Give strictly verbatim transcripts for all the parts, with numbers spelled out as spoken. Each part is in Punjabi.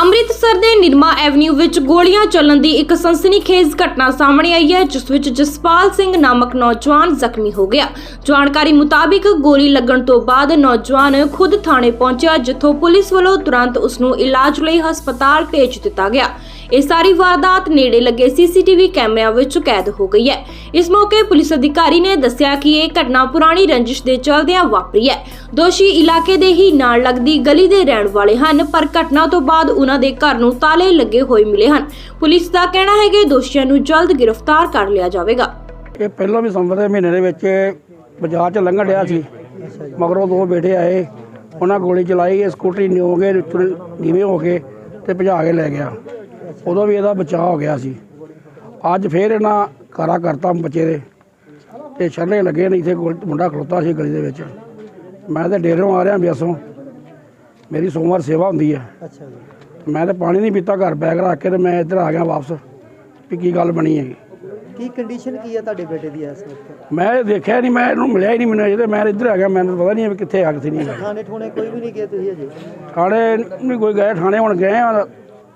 ਅੰਮ੍ਰਿਤਸਰ ਦੇ ਨਿਰਮਾ ਐਵਨਿਊ ਵਿੱਚ ਗੋਲੀਆਂ ਚੱਲਣ ਦੀ ਇੱਕ ਸਨਸਨੀਖੇਜ਼ ਘਟਨਾ ਸਾਹਮਣੇ ਆਈ ਹੈ, ਜਿਸ ਵਿੱਚ ਜਸਪਾਲ ਸਿੰਘ ਨਾਮਕ ਨੌਜਵਾਨ ਜ਼ਖਮੀ ਹੋ ਗਿਆ। ਜਾਣਕਾਰੀ ਮੁਤਾਬਿਕ ਗੋਲੀ ਲੱਗਣ ਤੋਂ ਬਾਅਦ ਨੌਜਵਾਨ ਖੁਦ ਥਾਣੇ ਪਹੁੰਚਿਆ, ਜਿੱਥੋਂ ਪੁਲਿਸ ਵੱਲੋਂ ਤੁਰੰਤ ਉਸ ਨੂੰ ਇਲਾਜ ਲਈ ਹਸਪਤਾਲ ਭੇਜ ਦਿੱਤਾ ਗਿਆ। ਇਹ ਸਾਰੀ ਵਾਰਦਾਤ ਨੇੜੇ ਲੱਗੇ ਸੀਸੀਟੀਵੀ ਕੈਮਰਿਆਂ ਵਿੱਚ ਕੈਦ ਹੋ ਗਈ ਹੈ। ਇਸ ਮੌਕੇ ਪੁਲਿਸ ਅਧਿਕਾਰੀ ਨੇ ਦੱਸਿਆ ਕਿ ਇਹ ਘਟਨਾ ਪੁਰਾਣੀ ਰੰਜਿਸ਼ ਦੇ ਚੱਲਦਿਆਂ ਵਾਪਰੀ ਹੈ। ਦੋਸ਼ੀ ਇਲਾਕੇ ਦੇ ਹੀ ਨਾਲ ਲੱਗਦੀ ਗਲੀ ਦੇ ਰਹਿਣ ਵਾਲੇ ਹਨ, ਪਰ ਘਟਨਾ ਤੋਂ ਬਾਅਦ ਉਹਨਾਂ ਦੇ ਘਰ ਨੂੰ ਤਾਲੇ ਲੱਗੇ ਹੋਏ ਮਿਲੇ ਹਨ। ਪੁਲਿਸ ਦਾ ਕਹਿਣਾ ਹੈ ਕਿ ਦੋਸ਼ੀਆਂ ਨੂੰ ਜਲਦ ਗ੍ਰਿਫਤਾਰ ਕਰ ਲਿਆ ਜਾਵੇਗਾ। ਇਹ ਪਹਿਲਾਂ ਵੀ ਸੰਵਰ ਦੇ ਮਹੀਨੇ ਦੇ ਵਿੱਚ ਬਾਜ਼ਾਰ 'ਚ ਲੰਘਣ ਡਿਆ ਸੀ, ਮਗਰੋਂ ਦੋ ਬੇਟੇ ਆਏ, ਉਹਨਾਂ ਗੋਲੀ ਚਲਾਈ, ਸਕੂਟਰੀ ਨਿਓ ਕੇ ਨੀਵੇਂ ਹੋ ਕੇ ਤੇ ਭਜਾ ਕੇ ਲੈ ਗਿਆ। ਉਦੋਂ ਵੀ ਇਹਦਾ ਬਚਾਅ ਹੋ ਗਿਆ ਸੀ। ਅੱਜ ਫੇਰ ਇਹਨਾਂ ਕਾਰਾ ਕਰਤਾ ਬੱਚੇ ਦੇ ਤੇ ਛੱਲੇ ਲੱਗੇ ਨੇ। ਇੱਥੇ ਮੁੰਡਾ ਖਲੋਤਾ ਸੀ ਗਲੀ ਦੇ ਵਿੱਚ। ਮੈਂ ਤਾਂ ਡੇਰੋਂ ਆ ਰਿਹਾ ਬਿਆਸੋਂ, ਮੇਰੀ ਸੋਮਵਾਰ ਸੇਵਾ ਹੁੰਦੀ ਹੈ। ਅੱਛਾ ਜੀ। ਮੈਂ ਤਾਂ ਪਾਣੀ ਨਹੀਂ ਪੀਤਾ, ਘਰ ਬੈਗ ਰੱਖ ਕੇ ਤੇ ਮੈਂ ਇੱਧਰ ਆ ਗਿਆ ਵਾਪਸ ਵੀ ਕੀ ਗੱਲ ਬਣੀ ਹੈਗੀ। ਕੀ ਕੰਡੀਸ਼ਨ ਕੀ ਹੈ ਤੁਹਾਡੇ ਬੇਟੇ ਦੀ ਇਸ ਵਕਤ? ਮੈਂ ਦੇਖਿਆ ਨਹੀਂ, ਮੈਂ ਇਹਨੂੰ ਮਿਲਿਆ ਹੀ ਨਹੀਂ ਮੈਨੂੰ ਅਜੇ। ਮੈਂ ਇੱਧਰ ਆ ਗਿਆ, ਮੈਨੂੰ ਪਤਾ ਨਹੀਂ ਵੀ ਕਿੱਥੇ ਆ ਕਿੱਥੇ ਨਹੀਂ। ਥਾਣੇ ਠੋਣੇ ਕੋਈ ਵੀ ਨਹੀਂ ਗਏ ਤੁਸੀਂ ਅਜੇ? ਥਾਣੇ ਨਹੀਂ ਕੋਈ ਗਏ, ਥਾਣੇ ਹੁਣ ਗਏ ਆ।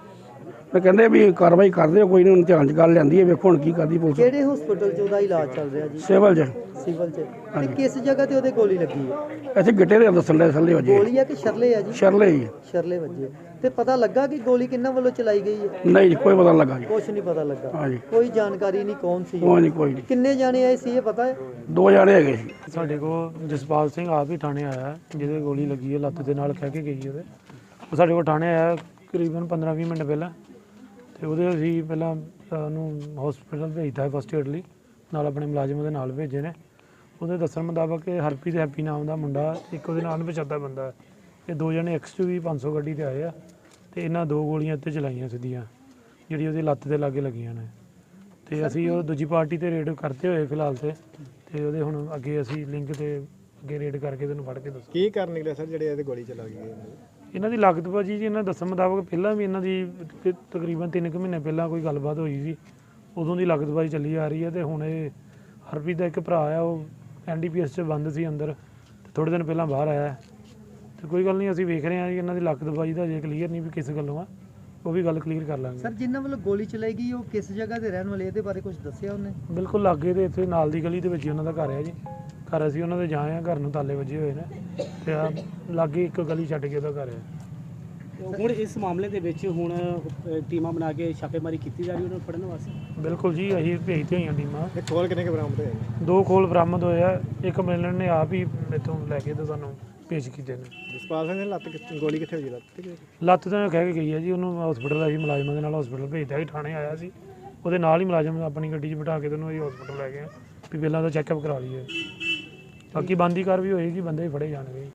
ਮੈਂ ਕਹਿੰਦੇ ਵੀ ਕਾਰਵਾਈ ਕਰਦੇ ਕੋਈ ਨਹੀਂ, ਹੁਣ ਧਿਆਨ 'ਚ ਗੱਲ ਲੈਂਦੀ ਹੈ। ਵੇਖੋ ਹੁਣ ਕੀ ਕਰਦੀ ਪੁਲਿਸ। ਕਿਹੜੇ ਹਸਪੀਟਲ 'ਚ ਉਹਦਾ ਇਲਾਜ ਚੱਲ ਰਿਹਾ ਜੀ? ਸਿਵਲ 'ਚ। ਸਿਵਲ 'ਚ। ਤੇ ਕਿਸ ਜਗ੍ਹਾ ਤੇ ਉਹਦੇ ਗੋਲੀ ਲੱਗੀ ਹੈ? ਇੱਥੇ ਗਿੱਟੇ ਦੇ ਦੱਸਣ ਦੇ ਥੱਲੇ ਵਜੇ। ਗੋਲੀ ਆ ਕਿ ਸ਼ਰਲੇ ਆ ਜੀ? ਸ਼ਰਲੇ ਹੀ। ਸ਼ਰਲੇ ਵੱਜੇ। ਤੇ ਪਤਾ ਲੱਗਾ ਕਿ ਗੋਲੀ ਕਿਹਨਾਂ ਵੱਲੋਂ ਚਲਾਈ ਗਈ ਹੈ? ਨਹੀਂ ਕੋਈ ਪਤਾ ਨਹੀਂ ਲੱਗਾ ਜੀ। ਕੁਛ ਨਹੀਂ ਪਤਾ ਲੱਗਾ। ਹਾਂਜੀ। ਕੋਈ ਜਾਣਕਾਰੀ ਨਹੀਂ ਕੌਣ ਸੀ? ਕੋਈ ਨਹੀਂ ਕੋਈ ਨਹੀਂ। ਕਿੰਨੇ ਜਾਣੇ ਆਏ ਸੀ ਇਹ ਪਤਾ ਹੈ? ਦੋ ਜਾਣੇ ਹੈਗੇ ਸੀ। ਸਾਡੇ ਕੋਲ ਜਸਪਾਲ ਸਿੰਘ ਆਪ ਹੀ ਥਾਣੇ ਆਇਆ, ਜਿਹਦੇ ਗੋਲੀ ਲੱਗੀ ਹੈ, ਲੱਤ ਦੇ ਨਾਲ ਕਹਿ ਕੇ ਗਈ ਉਹਦੇ। ਉਹ ਸਾਡੇ ਕੋਲ ਥਾਣੇ ਆਇਆ ਕਰੀਬਨ ਪੰਦਰਾਂ ਵੀਹ ਮਿੰਟ ਪਹਿਲਾਂ, ਤੇ ਉਹਦੇ ਅਸੀਂ ਪਹਿਲਾਂ ਉਹਨੂੰ ਹਸਪੀਟਲ ਭੇਜਤਾ ਫਸਟ ਏਡ ਲਈ, ਨਾਲ ਆਪਣੇ ਮੁਲਾਜ਼ਮ ਉਹਦੇ ਨਾਲ ਭੇਜੇ ਨੇ। ਉਹਦੇ ਦੱਸਣ ਮੁਤਾਬਕ ਕਿ ਹਰਪ੍ਰੀਤ ਹੈਪੀ ਨਾਮ ਦਾ ਮੁੰਡਾ, ਇੱਕ ਉਹਦੇ ਨਾਲ ਪਛਾਤਾ ਬੰਦਾ, ਇਹ ਦੋ ਜਣੇ ਐਕਸ ਟੂ ਵੀ ਪੰਜ ਸੌ ਗੱਡੀ 'ਤੇ ਆਏ ਆ, ਅਤੇ ਇਹਨਾਂ ਦੋ ਗੋਲੀਆਂ ਇੱਥੇ ਚਲਾਈਆਂ ਸਿੱਧੀਆਂ, ਜਿਹੜੀ ਉਹਦੀ ਲੱਤ ਦੇ ਲਾਗੇ ਲੱਗੀਆਂ ਨੇ। ਅਤੇ ਅਸੀਂ ਉਹ ਦੂਜੀ ਪਾਰਟੀ 'ਤੇ ਰੇਡ ਕਰਦੇ ਹੋਏ ਫਿਲਹਾਲ ਤੇ ਅਤੇ ਉਹਦੇ ਹੁਣ ਅੱਗੇ ਅਸੀਂ ਲਿੰਕ 'ਤੇ ਅੱਗੇ ਰੇਡ ਕਰਕੇ ਤੈਨੂੰ ਫੜ ਕੇ ਦੱਸੋ ਕੀ ਕਰਨ ਨਿਕਲਿਆ ਸਰ ਜਿਹੜੇ ਇਹਦੇ ਗੋਲੀ ਚਲਾ ਗਈ? ਇਹਨਾਂ ਦੀ ਲਾਗਤ ਭਾਜੀ ਜੀ, ਇਹਨਾਂ ਦੱਸਣ ਮੁਤਾਬਕ ਪਹਿਲਾਂ ਵੀ ਇਹਨਾਂ ਦੀ ਤਕਰੀਬਨ ਤਿੰਨ ਕੁ ਮਹੀਨੇ ਪਹਿਲਾਂ ਕੋਈ ਗੱਲਬਾਤ ਹੋਈ ਸੀ, ਉਦੋਂ ਦੀ ਲਾਗਤਬਾਜ਼ੀ ਚੱਲੀ ਆ ਰਹੀ ਹੈ। ਅਤੇ ਹੁਣ ਇਹ ਹਰਪ੍ਰੀਤ ਦਾ ਇੱਕ ਭਰਾ ਆ, ਉਹ ਐਨ ਡੀ ਪੀ ਐਸ 'ਚ ਬੰਦ ਸੀ ਅੰਦਰ, ਅਤੇ ਥੋੜ੍ਹੇ ਦਿਨ ਪਹਿਲਾਂ ਬਾਹਰ ਆਇਆ। ਅਤੇ ਕੋਈ ਗੱਲ ਨਹੀਂ, ਅਸੀਂ ਵੇਖ ਰਹੇ ਹਾਂ ਜੀ ਇਹਨਾਂ ਦੀ ਲਾਗਤਬਾਜ਼ੀ ਦਾ ਅਜੇ ਕਲੀਅਰ ਨਹੀਂ ਵੀ ਕਿਸ ਗੱਲੋਂ ਆ, ਉਹ ਵੀ ਗੱਲ ਕਲੀਅਰ ਕਰ ਲਾਂਗੇ। ਸਰ, ਜਿਨ੍ਹਾਂ ਵੱਲੋਂ ਗੋਲੀ ਚਲਾਈ ਗਈ ਉਹ ਕਿਸ ਜਗ੍ਹਾ ਤੇ ਰਹਿਣ ਵਾਲੇ, ਇਹਦੇ ਬਾਰੇ ਕੁਝ ਦੱਸਿਆ ਉਹਨੇ? ਬਿਲਕੁਲ ਲਾਗੇ ਦੇ ਇੱਥੇ ਨਾਲ ਦੀ ਗਲੀ ਦੇ ਵਿੱਚ ਹੀ ਉਹਨਾਂ ਦਾ ਘਰ ਹੈ ਜੀ। ਘਰ ਅਸੀਂ ਉਹਨਾਂ ਦੇ ਜਾਏ ਹਾਂ, ਘਰ ਨੂੰ ਤਾਲੇ ਵੱਜੇ ਹੋਏ ਨੇ, ਅਤੇ ਆ ਲਾਗੇ ਇੱਕ ਗਲੀ ਛੱਡ ਕੇ ਉਹਦਾ ਘਰ ਹੈ। ਹੁਣ ਇਸ ਮਾਮਲੇ ਦੇ ਵਿੱਚ ਹੁਣ ਟੀਮਾਂ ਬਣਾ ਕੇ ਛਾਪੇਮਾਰੀ ਕੀਤੀ ਜਾ ਰਹੀ ਉਹਨਾਂ ਨੂੰ ਫੜਨ ਵਾਸਤੇ? ਬਿਲਕੁਲ ਜੀ, ਅਸੀਂ ਭੇਜਦੇ ਹੋਈਆਂ ਟੀਮਾਂ। ਇਹ ਖੋਲ ਕਿੰਨੇ ਕੁ ਬਰਾਮਦ ਹੋਏ? ਦੋ ਖੋਲ ਬਰਾਮਦ ਹੋਏ ਆ, ਇੱਕ ਮਿਲਣ ਨੇ ਆਪ ਹੀ ਇੱਥੋਂ ਲੈ ਕੇ ਤੇ ਸਾਨੂੰ ਪੇਸ਼ ਕੀਤੇ ਨੇ। ਜਸਪਾਲ ਸਿੰਘ ਦੀ ਲੱਤ ਕਿੱਥੇ, ਗੋਲੀ ਕਿੱਥੇ ਹੋਈ? ਲੱਤ ਤੇ ਲੱਤ ਤਾਂ ਕਹਿ ਕੇ ਗਈ ਹੈ ਜੀ, ਉਹਨੂੰ ਹਸਪੀਟਲ ਅਸੀਂ ਮੁਲਾਜ਼ਮਾਂ ਦੇ ਨਾਲ ਹਸਪੀਟਲ ਭੇਜਦਾ ਸੀ, ਥਾਣੇ ਆਇਆ ਸੀ, ਉਹਦੇ ਨਾਲ ਹੀ ਮੁਲਾਜ਼ਮ ਆਪਣੀ ਗੱਡੀ 'ਚ ਬਿਠਾ ਕੇ ਉਹਨੂੰ ਅਸੀਂ ਹਸਪੀਟਲ ਲੈ ਗਏ ਵੀ ਪਹਿਲਾਂ ਤਾਂ ਚੈੱਕਅਪ ਕਰਾ ਲਈਏ। ਬਾਕੀ ਬਣਦੀ ਕਾਰਵਾਈ ਹੋਏਗੀ, ਬੰਦੇ ਹੀ ਫੜੇ ਜਾਣਗੇ।